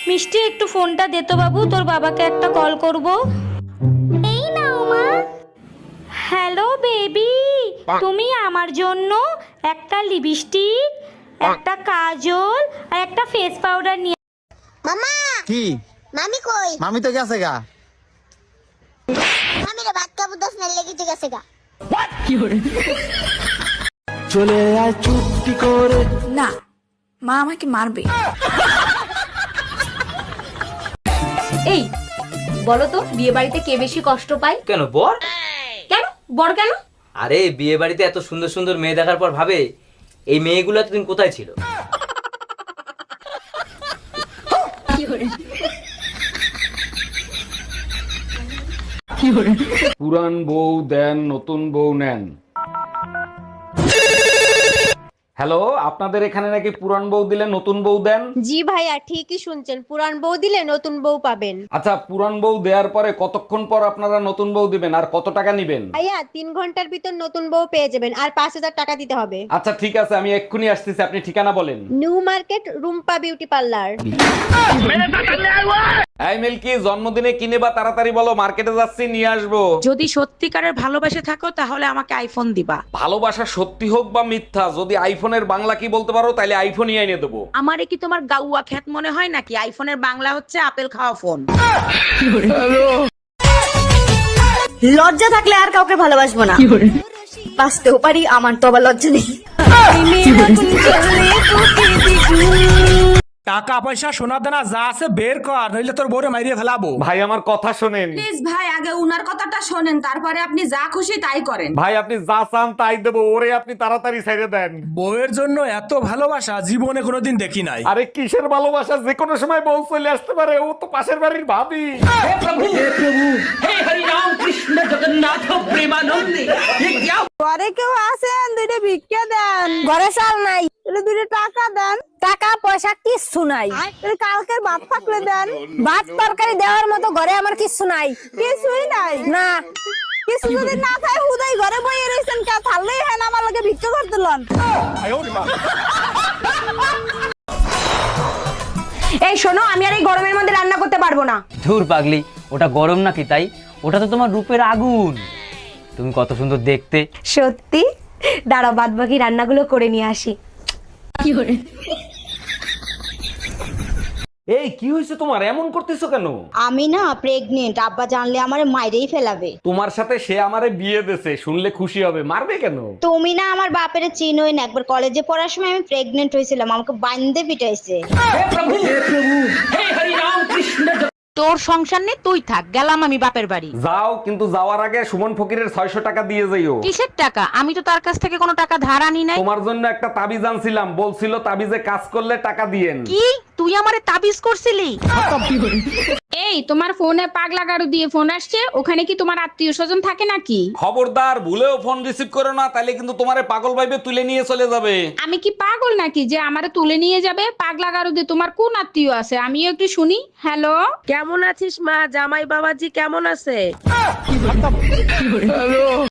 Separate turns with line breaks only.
মিষ্টি একটু ফোনটা দে তো বাবু, তোর বাবাকে একটা কল করব। এই নাও মা। হ্যালো বেবি, তুমি আমার জন্য একটা লিপস্টিক, একটা কাজল আর একটা ফেস পাউডার নিয়ে।
মামা
কি
মামি কই?
মামি তো গেছে গা।
মামি রে ভাত খাবো 10 মিনিট লেগে গেছে গা।
চলে আয় চুপটি করে।
না, মা আমাকে মারবে।
এই বলো তো, বিয়ে বাড়িতে কে বেশি কষ্ট পায়?
কেন বর?
কেন বর কেন?
আরে বিয়ে বাড়িতে এত সুন্দর সুন্দর মেয়ে দেখার পর ভাবে এই মেয়েগুলো এতদিন কোথায় ছিল।
পুরান বউ দেন, নতুন বউ নেন। হ্যালো, আপনাদের এখানে নাকি পুরান বউ দিলে নতুন বউ দেন?
জি ভাইয়া, ঠিকই শুনছেন, পুরান বউ দিলে নতুন বউ পাবেন।
আচ্ছা, পুরান বউ দেওয়ার পরে কতক্ষণ পর আপনারা নতুন বউ দিবেন আর কত টাকা নিবেন?
ভাইয়া 3 ঘন্টার ভিতর নতুন বউ পেয়ে যাবেন, আর 5000 টাকা দিতে হবে।
আচ্ছা ঠিক আছে, আমি এক্ষুনি আসতেছি, আপনি ঠিকানা বলেন।
New market, Rumpa beauty parlour.
এই মিল্কি, জন্মদিনে কিনে বা তাড়াতাড়ি বলো, মার্কেটে যাচ্ছি, নিয়ে আসবো।
যদি সত্যিকারের ভালোবাসে থাকো তাহলে আমাকে আইফোন দিবা।
ভালোবাসা সত্যি হোক বা মিথ্যা, যদি আইফোনের বাংলা কি বলতে পারো তাহলে আইফোনই এনে দেবো।
আমারে কি তোমার গাউয়া খ্যাত মনে হয় নাকি? আইফোনের বাংলা হচ্ছে আপেল খাওয়া ফোন।
লজ্জা থাকলে আর কাউকে ভালোবাসবো না। বাঁচতেও পারি, আমার তো আবার লজ্জা নেই।
টাকা পয়সা সোনা দানা যা আছে বের কর, নইলে তোর বউরে মাইরিয়ে ফেলাবো।
ভাই আমার কথা শোনেন।
প্লিজ ভাই, আগে উনার কথাটা শোনেন, তারপরে আপনি যা খুশি তাই করেন।
ভাই আপনি যা চান তাই দেবো, ওরে আপনি তাড়াতাড়ি ছেড়ে দেন।
বউয়ের জন্য এত ভালোবাসা জীবনে কোনোদিন দেখি নাই।
আরে কিসের ভালোবাসা, যে কোনো সময় বউ চলে আসতে পারে, ও তো পাশের বাড়ির ভাবি।
ঘরে কেউ আছেন? দুইটা ভিক্ষা দেন। ঘরে চাল নাই, দুইটা টাকা দেন। টাকা পয়সা কিচ্ছু নাই, কালকের ভাত থাকলে দেন। ভাত তরকারি দেওয়ার মতো ঘরে আমার কিচ্ছু নাই। কিছুই নাই না, কিছু যদি না খায় হুদাই ঘরে বইয়ে রয়েছেন, কে থাললেই হয় না আমার লগে ভিক্ষা করতে লন।
এই শোনো, আমি আর এই গরমের মধ্যে রান্না করতে পারবো না।
ধুর পাগলি, ওটা গরম নাকি তাই? ওটা তো তোমার রূপের আগুন। তুমি কত সুন্দর দেখতে।
সত্যি? দাঁড়াও, বাদ বাকি রান্নাগুলো করে নিয়ে আসি।
এই কি হয়েছে তোমার, এমন করতেছো কেন?
আমি না প্রেগনেন্ট, আব্বা জানলে আমারে মাইরেই ফেলাবে।
তোমার সাথে সে আমারে বিয়ে দেছে, শুনলে খুশি হবে, মারবে কেন?
তুমি না আমার বাপের চিনোই না, একবার কলেজে পড়ার সময় আমি প্রেগনেন্ট হয়েছিলাম, আমাকে বান্ধে পিটাইছে।
তোর সংসার নেই, তুই থাক, গেলাম আমি বাপের বাড়ি।
যাও, কিন্তু যাওয়ার আগে সুমন ফকিরের 600 টাকা দিয়ে যাইও।
কিসের টাকা? আমি তো তার কাছ থেকে কোনো টাকা ধার আনি নাই।
তোমার জন্য একটা তাবিজ আনছিলাম, বলছিল তাবিজে কাজ করলে টাকা দিয়েন।
কি তুই আমারে তাবিজ করছিলি?
এই তোমার ফোনে পাগলা গাড়ু দিয়ে ফোন আসছে, ওখানে কি তোমার আত্মীয় স্বজন থাকে নাকি?
খবরদার, ভুলেও ফোন রিসিভ করো না, তাহলে কিন্তু তোমারে পাগল ভাইবে তুলে নিয়ে চলে যাবে।
আমি কি পাগল নাকি যে আমারে তুলে নিয়ে যাবে? পাগলা গাড়ু দিয়ে তোমার কোন আত্মীয় আছে আমিও একটু শুনি। হ্যালো,
কেমন আছিস মা? জামাই বাবাজি কেমন আছে?